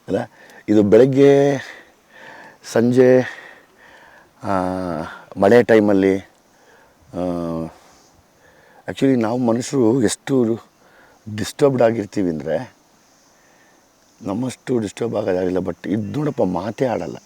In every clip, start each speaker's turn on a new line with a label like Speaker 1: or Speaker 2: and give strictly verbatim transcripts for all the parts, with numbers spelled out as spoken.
Speaker 1: ಅಲ್ಲ, ಇದು ಬೆಳಗ್ಗೆ ಸಂಜೆ ಮಳೆ ಟೈಮಲ್ಲಿ ಆ್ಯಕ್ಚುಲಿ ನಾವು ಮನುಷ್ಯರು ಎಷ್ಟು ಡಿಸ್ಟರ್ಬ್ಡ್ ಆಗಿರ್ತೀವಿ ಅಂದರೆ ನಮ್ಮಷ್ಟು ಡಿಸ್ಟರ್ಬ್ ಆಗೋದಾಗಿಲ್ಲ. ಬಟ್ ಇದು ನೋಡಪ್ಪ ಮಾತೇ ಆಡಲ್ಲ.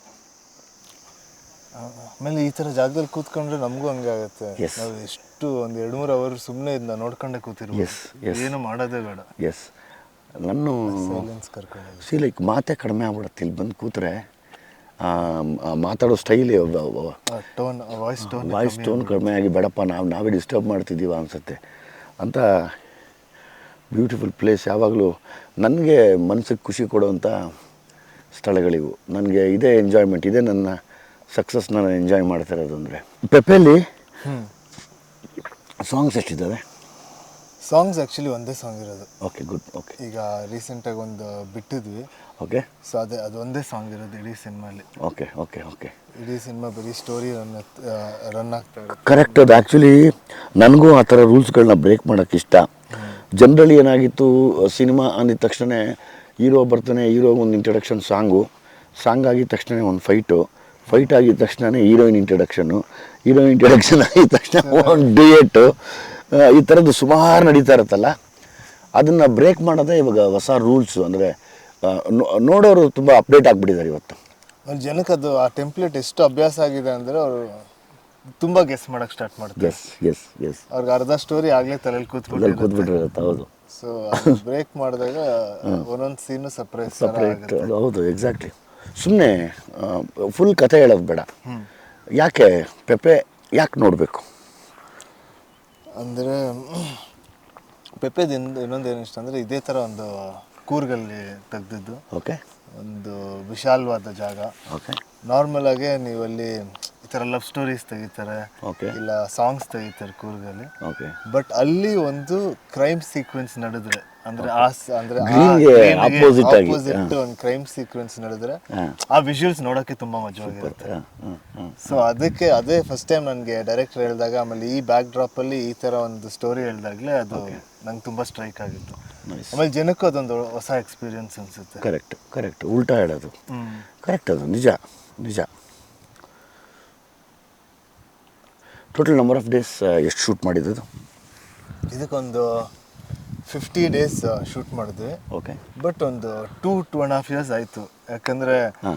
Speaker 2: ಆಮೇಲೆ ಈ ಥರ ಜಾಗದಲ್ಲಿ ಕೂತ್ಕೊಂಡ್ರೆ ನಮಗೂ ಹಂಗೆ ಆಗುತ್ತೆ. ನಾವು ಎಷ್ಟು ಒಂದು ಎರಡು ಮೂರು ಅವರ್ ಸುಮ್ಮನೆ ಇದನ್ನ ನೋಡ್ಕೊಂಡೆ ಕೂತಿರ್ಬೋದು.
Speaker 1: ಎಸ್ ಎಸ್
Speaker 2: ಏನು ಮಾಡೋದೇ ಬೇಡ.
Speaker 1: ಎಸ್ ನಾನು
Speaker 2: ಸೈಲೆನ್ಸ್ ಕರ್ಕೊಂಡು
Speaker 1: ಸಿ ಲೈಕ್ ಮಾತೇ ಕಡಿಮೆ ಆಗ್ಬಿಡುತ್ತೆ. ಇಲ್ಲಿ ಬಂದು ಕೂತ್ರೆ ಮಾತಾಡೋ ಸ್ಟೈಲಿ
Speaker 2: tone voice tone
Speaker 1: voice tone ಕಡಿಮೆ ಆಗಿ ಬೇಡಪ್ಪ ನಾವು ನಾವೇ ಡಿಸ್ಟರ್ಬ್ ಮಾಡ್ತಿದ್ದೀವ ಅನಿಸುತ್ತೆ ಅಂತ. Beautiful place. ಯಾವಾಗಲೂ ನನಗೆ ಮನಸ್ಸಿಗೆ ಖುಷಿ ಕೊಡುವಂಥ ಸ್ಥಳಗಳಿವು. ನನಗೆ ಇದೇ ಎಂಜಾಯ್ಮೆಂಟ್, ಇದೇ ನನ್ನ ಸಕ್ಸಸ್ ನಾನು ಎಂಜಾಯ್ ಮಾಡ್ತಿರೋದು. ಅಂದರೆ ಪೆಪೆಲಿ ಸಾಂಗ್ಸ್ ಎಷ್ಟಿದ್ದಾವೆ?
Speaker 2: ಸಾಂಗ್ಸ್ ಆ್ಯಕ್ಚುಲಿ ಒಂದೇ ಸಾಂಗ್ ಇರೋದು.
Speaker 1: Okay, good. ಓಕೆ,
Speaker 2: ಈಗ ರೀಸೆಂಟಾಗಿ ಒಂದು ಬಿಟ್ಟಿದ್ವಿ.
Speaker 1: ಓಕೆ,
Speaker 2: ಸೊ ಅದೇ ಅದು ಒಂದೇ ಸಾಂಗ್ ಇರೋದು ಇಡೀ ಸಿನಿಮಾಲಿ.
Speaker 1: ಓಕೆ ಓಕೆ ಓಕೆ
Speaker 2: ಇಡೀ ಸಿನಿಮಾ ಬರೀ ಸ್ಟೋರಿ ರನ್ ರನ್ ಆಗ್ತಾ ಇರುತ್ತೆ.
Speaker 1: ಕರೆಕ್ಟ್. ಅದು ಆ್ಯಕ್ಚುಲಿ ನನಗೂ ಆ ಥರ ರೂಲ್ಸ್ಗಳನ್ನ ಬ್ರೇಕ್ ಮಾಡೋಕ್ಕೆ ಇಷ್ಟ. ಜನರಲಿ ಏನಾಗಿತ್ತು, ಸಿನಿಮಾ ಅಂದಿದ ತಕ್ಷಣ ಹೀರೋ ಬರ್ತಾನೆ, ಹೀರೋಗೆ ಒಂದು ಇಂಟ್ರಡಕ್ಷನ್ ಸಾಂಗು, ಸಾಂಗ್ ಆಗಿದ ತಕ್ಷಣ ಒಂದು ಫೈಟು, ಫೈಟ್ ಆಗಿದ ತಕ್ಷಣ ಹೀರೋಯಿನ್ ಇಂಟ್ರಡಕ್ಷನ್ನು, ಹೀರೋಯಿನ್ ಇಂಟ್ರಡಕ್ಷನ್ ಆಗಿದ ತಕ್ಷಣ ಒಂದು ಡಿಯೇಟು, ಈ ಥರದ್ದು ಸುಮಾರು ನಡೀತಾ ಇರುತ್ತಲ್ಲ. ಅದನ್ನು ಬ್ರೇಕ್ ಮಾಡೋದೇ ಇವಾಗ ಹೊಸ ರೂಲ್ಸು. ಅಂದರೆ ನೋಡೋರು ತುಂಬ ಅಪ್ಡೇಟ್ ಆಗಿಬಿಟ್ಟಿದ್ದಾರೆ ಇವತ್ತು.
Speaker 2: ಅವ್ರ ಜನಕ್ಕೆ ಅದು ಆ ಟೆಂಪ್ಲೇಟ್ ಎಷ್ಟು ಅಭ್ಯಾಸ ಆಗಿದೆ ಅಂದರೆ ಅವರು ತುಂಬ ಗೆಸ್ ಮಾಡೋಕ್ಕೆ ಸ್ಟಾರ್ಟ್ ಮಾಡ್ತಾರೆ.
Speaker 1: ಎಸ್ ಎಸ್ ಎಸ್
Speaker 2: ಅವ್ರಿಗೆ ಅರ್ಧ ಸ್ಟೋರಿ ಆಗಲೇ ತಲೆಯಲ್ಲಿ ಕೂತ್ಬಿಟ್ಟು
Speaker 1: ಕೂತ್ಬಿಟ್ಟಿರುತ್ತೆ. ಹೌದು.
Speaker 2: ಸೊ ಬ್ರೇಕ್ ಮಾಡಿದಾಗ ಒಂದೊಂದು ಸೀನು ಸಪ್ರೇಟ್
Speaker 1: ಸಪ್ರೇಟ್. ಹೌದು, ಎಕ್ಸಾಕ್ಟ್ಲಿ. ಸುಮ್ಮನೆ ಫುಲ್ ಕಥೆ ಹೇಳೋದು ಬೇಡ. ಯಾಕೆ ಪೆಪೆ ಯಾಕೆ ನೋಡಬೇಕು
Speaker 2: ಅಂದರೆ ಪೆಪೆದಿಂದ ಇನ್ನೊಂದು ಏನು ಇಷ್ಟ ಅಂದರೆ ಇದೇ ಥರ ಒಂದು ಕೂರ್ಗಲ್ಲಿ ತೆಗ್ದಿದ್ದು.
Speaker 1: ಓಕೆ.
Speaker 2: ಒಂದು ವಿಶಾಲವಾದ ಜಾಗ.
Speaker 1: ಓಕೆ.
Speaker 2: ನಾರ್ಮಲ್ ಆಗಿ ನೀವಲ್ಲಿ ಈ ಥರ ಲವ್ ಸ್ಟೋರೀಸ್ ತೆಗಿತಾರೆ,
Speaker 1: ಓಕೆ,
Speaker 2: ಇಲ್ಲ ಸಾಂಗ್ಸ್ ತೆಗಿತಾರೆ ಕೂರ್ಗಲ್ಲಿ.
Speaker 1: ಓಕೆ.
Speaker 2: ಬಟ್ ಅಲ್ಲಿ ಒಂದು ಕ್ರೈಮ್ ಸೀಕ್ವೆನ್ಸ್ ನಡೆದ್ರೆ ಅಂದ್ರೆ ಆ ಅಂದ್ರೆ
Speaker 1: ಆಪೋಸಿಟ್ ಆಗಿ
Speaker 2: ಒಂದು ಕ್ರೈಮ್ ಸೀಕ್ವೆನ್ಸ್ ನಡೆದ್ರೆ ಆ ವಿಜುವಲ್ಸ್ ನೋಡೋಕ್ಕೆ ತುಂಬಾ ಮಜವಾಗಿರುತ್ತೆ. ಸೊ ಅದಕ್ಕೆ ಅದೇ ಫಸ್ಟ್ ಟೈಮ್ ನನಗೆ ಡೈರೆಕ್ಟರ್ ಹೇಳಿದಾಗ, ಆಮೇಲೆ ಈ ಬ್ಯಾಕ್ ಡ್ರಾಪ್ ಅಲ್ಲಿ ಈ ತರ ಒಂದು ಸ್ಟೋರಿ ಹೇಳಿದಾಗಲೇ ಅದು ನಂಗೆ ತುಂಬಾ ಸ್ಟ್ರೈಕ್ ಆಗಿತ್ತು. ಆಮೇಲೆ ಜನಕ್ಕೂ ಅದೊಂದು ಹೊಸ ಎಕ್ಸ್ಪೀರಿಯನ್ಸ್ ಅನ್ಸುತ್ತೆ.
Speaker 1: ಕರೆಕ್ಟ್ ಕರೆಕ್ಟ್ ಉಲ್ಟಾ ಹೇಳೋದು ಕರೆಕ್ಟ್. ಅದು ನಿಜ ನಿಜ. ಟೋಟಲ್ ನಂಬರ್ ಆಫ್ ಡೇಸ್ ಎಷ್ಟು ಶೂಟ್ ಮಾಡಿದ್ದು? ಇದಕ್ಕೊಂದು
Speaker 2: ಫಿಫ್ಟಿ ಡೇಸ್ ಶೂಟ್ ಮಾಡಿದ್ವಿ.
Speaker 1: ಓಕೆ.
Speaker 2: ಬಟ್ ಒಂದು two two and half years ಆಯಿತು. ಯಾಕಂದರೆ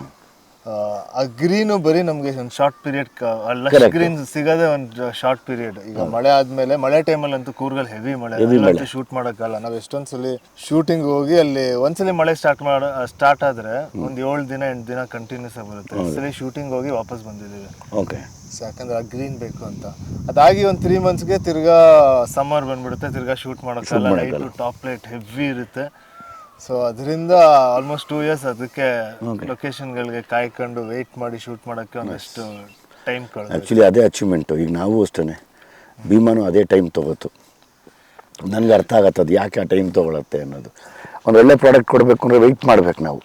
Speaker 2: ಆ ಗ್ರೀನು ಬರೀ ನಮಗೆ ಒಂದು ಶಾರ್ಟ್ ಪೀರಿಯಡ್, ಲಶ್ ಗ್ರೀನ್ ಸಿಗೋದೇ ಒಂದು ಶಾರ್ಟ್ ಪೀರಿಯಡ್. ಈಗ ಮಳೆ ಆದಮೇಲೆ, ಮಳೆ ಟೈಮಲ್ಲಿ ಅಂತೂ ಕೂರ್ಗಲ್ ಹೆವಿ ಮಳೆ, ಶೂಟ್ ಮಾಡೋಕ್ಕಲ್ಲ. ನಾವು ಎಷ್ಟೊಂದು ಸಲ ಶೂಟಿಂಗ್ ಹೋಗಿ ಅಲ್ಲಿ ಒಂದ್ಸಲಿ ಮಳೆ ಸ್ಟಾರ್ಟ್ ಮಾಡ ಸ್ಟಾರ್ಟ್ ಆದರೆ ಒಂದು ಏಳು ದಿನ ಎಂಟು ದಿನ ಕಂಟಿನ್ಯೂಸ್ ಆಗಿ ಬರುತ್ತೆ. ಒಂದ್ಸಲಿ ಶೂಟಿಂಗ್ ಹೋಗಿ ವಾಪಸ್ ಬಂದಿದ್ದೀವಿ.
Speaker 1: ಓಕೆ.
Speaker 2: ಸೊ ಯಾಕಂದ್ರೆ ಆ ಗ್ರೀನ್ ಬೇಕು ಅಂತ. ಅದಾಗಿ ಒಂದು ತ್ರೀ ಮಂತ್ಸ್ಗೆ ತಿರ್ಗಾ ಸಮ್ಮರ್ ಬಂದ್ಬಿಡುತ್ತೆ, ತಿರ್ಗಾ ಶೂಟ್ ಮಾಡೋಕ್ಕಲ್ಲ. ಲೈಟು ಟಾಪ್ ಲೈಟ್ ಹೆವಿ ಇರುತ್ತೆ. ಸೊ ಅದರಿಂದ ಆಲ್ಮೋಸ್ಟ್ ಟೂ ಇಯರ್ಸ್ ಅದಕ್ಕೆ ಲೊಕೇಶನ್ಗಳಿಗೆ ಕಾಯ್ಕೊಂಡು ವೆಯ್ಟ್ ಮಾಡಿ ಶೂಟ್ ಮಾಡೋಕ್ಕೆ ಒಂದಷ್ಟು ಟೈಮ್ ಕಳೆದು.
Speaker 1: ಆ್ಯಕ್ಚುಲಿ ಅದೇ ಅಚೀವ್ಮೆಂಟು. ಈಗ ನಾವು ಅಷ್ಟೇ, ಭೀಮಾನು ಅದೇ ಟೈಮ್ ತೊಗೋತು. ನನಗೆ ಅರ್ಥ ಆಗತ್ತೆ ಅದು ಯಾಕೆ ಆ ಟೈಮ್ ತೊಗೊಳತ್ತೆ ಅನ್ನೋದು. ಒಂದು ಒಳ್ಳೆ ಪ್ರಾಡಕ್ಟ್ ಕೊಡಬೇಕು ಅಂದರೆ ವೆಯ್ಟ್ ಮಾಡ್ಬೇಕು ನಾವು.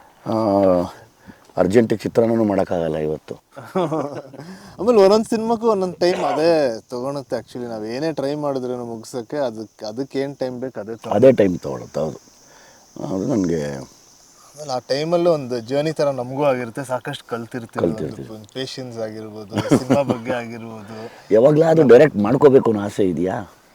Speaker 1: ಅರ್ಜೆಂಟಿಗೆ ಚಿತ್ರಾನ್ನೂ ಮಾಡೋಕ್ಕಾಗಲ್ಲ ಇವತ್ತು.
Speaker 2: ಆಮೇಲೆ ಒಂದೊಂದು ಸಿನಿಮಾಕ್ಕೂ ಒಂದೊಂದು ಟೈಮ್ ಅದೇ ತೊಗೊಳುತ್ತೆ. ಆ್ಯಕ್ಚುಲಿ ನಾವು ಏನೇ ಟ್ರೈ ಮಾಡಿದ್ರೂ ಮುಗಿಸೋಕ್ಕೆ ಅದಕ್ಕೆ ಅದಕ್ಕೆ ಏನು ಟೈಮ್ ಬೇಕು ಅದೇ
Speaker 1: ಅದೇ ಟೈಮ್ ತೊಗೊಳುತ್ತೆ. ಹೌದು, ಅದು ನನಗೆ
Speaker 2: ಆಮೇಲೆ ಆ ಟೈಮಲ್ಲೂ ಒಂದು ಜರ್ನಿ ಥರ ನಮಗೂ ಆಗಿರುತ್ತೆ. ಸಾಕಷ್ಟು ಕಲ್ತಿರ್ತೀವಿ. ಪೇಷನ್ಸ್ ಆಗಿರ್ಬೋದು, ಸಿನಿಮಾ ಬಗ್ಗೆ ಆಗಿರ್ಬೋದು.
Speaker 1: ಯಾವಾಗಲಾದರೂ ಡೈರೆಕ್ಟ್ ಮಾಡ್ಕೋಬೇಕು ಅನ್ನೋ ಆಸೆ ಇದೆಯಾ?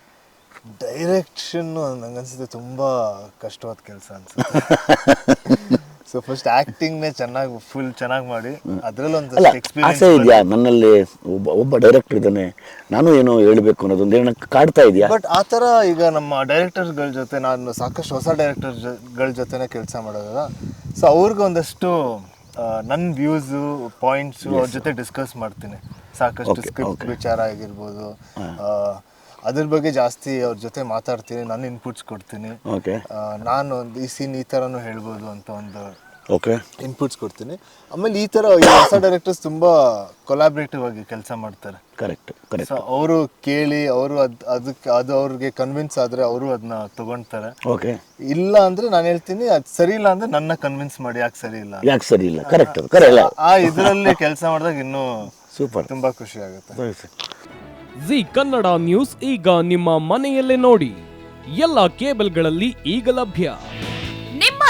Speaker 2: ಡೈರೆಕ್ಷನ್ನು ನಂಗನ್ಸುತ್ತೆ ತುಂಬ ಕಷ್ಟವಾದ ಕೆಲಸ ಅನ್ಸುತ್ತೆ. ಸೊ ಫಸ್ಟ್ ಆ್ಯಕ್ಟಿಂಗ್ನೇ ಚೆನ್ನಾಗಿ ಫುಲ್ ಚೆನ್ನಾಗಿ ಮಾಡಿ ಅದರಲ್ಲೊಂದು
Speaker 1: ಆಸೆ ಇದೆಯಾ? ನನ್ನಲ್ಲಿ ಒಬ್ಬ ಒಬ್ಬ ಡೈರೆಕ್ಟರ್ ಇದ್ದಾನೆ, ನಾನು ಏನೋ ಹೇಳಬೇಕು ಅನ್ನೋದೊಂದು ಏನೋ ಕಾಡ್ತಾ ಇದೆಯಾ?
Speaker 2: ಬಟ್ ಆ ಥರ ಈಗ ನಮ್ಮ ಡೈರೆಕ್ಟರ್ಸ್ಗಳ ಜೊತೆ ನಾನು ಸಾಕಷ್ಟು ಹೊಸ ಡೈರೆಕ್ಟರ್ಗಳ ಜೊತೆನೇ ಕೆಲಸ ಮಾಡೋದಲ್ಲ. ಸೊ ಅವ್ರಿಗೆ ಒಂದಷ್ಟು ನನ್ನ ವ್ಯೂಸು ಪಾಯಿಂಟ್ಸು ಅವ್ರ ಜೊತೆ ಡಿಸ್ಕಸ್ ಮಾಡ್ತೀನಿ. ಸಾಕಷ್ಟು ಸ್ಕ್ರಿಪ್ಟ್ ವಿಚಾರ ಆಗಿರ್ಬೋದು, ಅದ್ರ ಬಗ್ಗೆ ಜಾಸ್ತಿ ಅವ್ರ ಜೊತೆ ಮಾತಾಡ್ತೀನಿ. ನಾನು ಇನ್ಪುಟ್ಸ್ ಕೊಡ್ತೀನಿ. ನಾನು ಒಂದು ಈ ಸೀನ್ ಈ ಥರನೂ ಹೇಳ್ಬೋದು ಅಂತ ಒಂದು
Speaker 1: ಓಕೆ
Speaker 2: ಇನ್ಪುಟ್ಸ್ ಕೊಡ್ತೀನಿ. ಆಮೇಲೆ ಈ ಥರ ಹೊಸ ಡೈರೆಕ್ಟರ್ಸ್ ತುಂಬ ಕೊಲಾಬ್ರೇಟಿವ್ ಆಗಿ ಕೆಲಸ ಮಾಡ್ತಾರೆ.
Speaker 1: Correct correct.
Speaker 2: ಸೊ ಅವರು ಕೇಳಿ ಅವರು ಅದು ಅದಕ್ಕೆ ಅದು ಅವ್ರಿಗೆ ಕನ್ವಿನ್ಸ್ ಆದರೆ ಅವರು ಅದನ್ನ ತೊಗೊಳ್ತಾರೆ.
Speaker 1: ಓಕೆ.
Speaker 2: ಇಲ್ಲ ಅಂದರೆ ನಾನು ಹೇಳ್ತೀನಿ ಅದು ಸರಿ ಇಲ್ಲ ಅಂದರೆ ನನ್ನ ಕನ್ವಿನ್ಸ್ ಮಾಡಿ ಯಾಕೆ ಸರಿ ಇಲ್ಲ
Speaker 1: ಯಾಕೆ ಸರಿ ಇಲ್ಲ. Correct correct.
Speaker 2: ಆ ಇದರಲ್ಲಿ ಕೆಲಸ ಮಾಡಿದಾಗ ಇನ್ನೂ
Speaker 1: ಸೂಪರ್,
Speaker 2: ತುಂಬ ಖುಷಿ ಆಗುತ್ತೆ.
Speaker 3: ಜಿ ಕನ್ನಡ ನ್ಯೂಸ್ ಈಗ ನಿಮ್ಮ ಮನೆಯಲ್ಲೇ ನೋಡಿ. ಎಲ್ಲ ಕೇಬಲ್ಗಳಲ್ಲಿ ಈಗ ಲಭ್ಯ.
Speaker 4: ನಿಮ್ಮ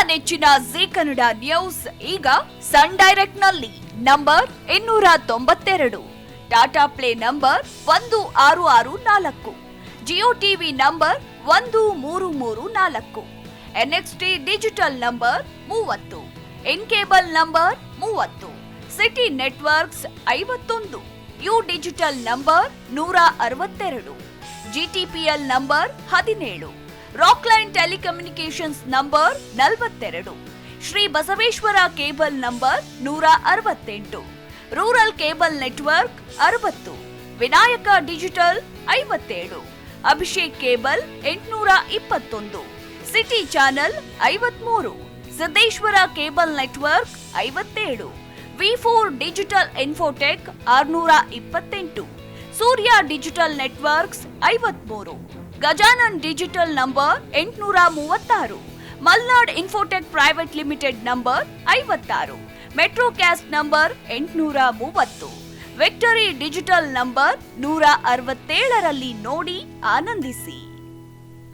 Speaker 4: ನೆಚ್ಚಿನ ಜಿ ಕನ್ನಡ ನ್ಯೂಸ್ ಈಗ ಸನ್ ಡೈರೆಕ್ಟ್ ನಲ್ಲಿ ನಂಬರ್ ಇನ್ನೂರ ತೊಂಬತ್ತೆರಡು, ಟಾಟಾ ಪ್ಲೇ ನಂಬರ್ ಒಂದು ಆರು ಆರು ನಾಲ್ಕು, ಜಿಯೋ ಟಿವಿ ನಂಬರ್ ಒಂದು ಮೂರು ಮೂರು ನಾಲ್ಕು, ಎನ್ಎಕ್ಸ್ಟಿ ಡಿಜಿಟಲ್ ನಂಬರ್ ಮೂವತ್ತು, ಇನ್ ಕೇಬಲ್ ನಂಬರ್ ಮೂವತ್ತು, ಸಿಟಿ ನೆಟ್ವರ್ಕ್ಸ್ ಐವತ್ತೊಂದು, ಯು ಡಿಜಿಟಲ್ ನಂಬರ್ ನೂರ ಅರವತ್ತೆರಡು, ಜಿಟಿಪಿಎಲ್ ನಂಬರ್ ಹದಿನೇಳು, ರಾಕ್ಲೈನ್ ಟೆಲಿಕಮ್ಯುನಿಕೇಶನ್ಸ್ ನಂಬರ್ ನಲವತ್ತೆರಡು, ಶ್ರೀ ಬಸವೇಶ್ವರ ಕೇಬಲ್ ನಂಬರ್ ನೂರ ಅರವತ್ತೆಂಟು, ರೂರಲ್ ಕೇಬಲ್ ನೆಟ್ವರ್ಕ್ ಅರವತ್ತು, ವಿನಾಯಕ ಡಿಜಿಟಲ್ ಐವತ್ತೇಳು, ಅಭಿಷೇಕ್ ಕೇಬಲ್ ಎಂಟುನೂರ ಇಪ್ಪತ್ತೊಂದು, ಸಿಟಿ ಚಾನೆಲ್ ಐವತ್ಮೂರು, ಸಿದ್ದೇಶ್ವರ ಕೇಬಲ್ ನೆಟ್ವರ್ಕ್ ಐವತ್ತೇಳು, ವಿ ಫೋರ್ ಡಿಜಿಟಲ್ ಇನ್ಫೋಟೆಕ್ ಆರುನೂರ ಇಪ್ಪತ್ತೆಂಟು, ಸೂರ್ಯ ಡಿಜಿಟಲ್ ನೆಟ್ವರ್ಕ್ಸ್ ಐವತ್ಮೂರು, ಗಜಾನನ್ ಡಿಜಿಟಲ್ ನಂಬರ್ ಎಂಟುನೂರ ಮೂವತ್ತಾರು, Malnad infotech private limited number ಐವತ್ತಾರು, ಮೆಟ್ರೋ ಕ್ಯಾಸ್ಟ್ ನಂಬರ್ ಎಂಟುನೂರ ಮೂವತ್ತು, ವಿಕ್ಟರಿ ಡಿಜಿಟಲ್ ನಂಬರ್ ನೂರ ಅರವತ್ತೇಳರಲ್ಲಿ ನೋಡಿ ಆನಂದಿಸಿ.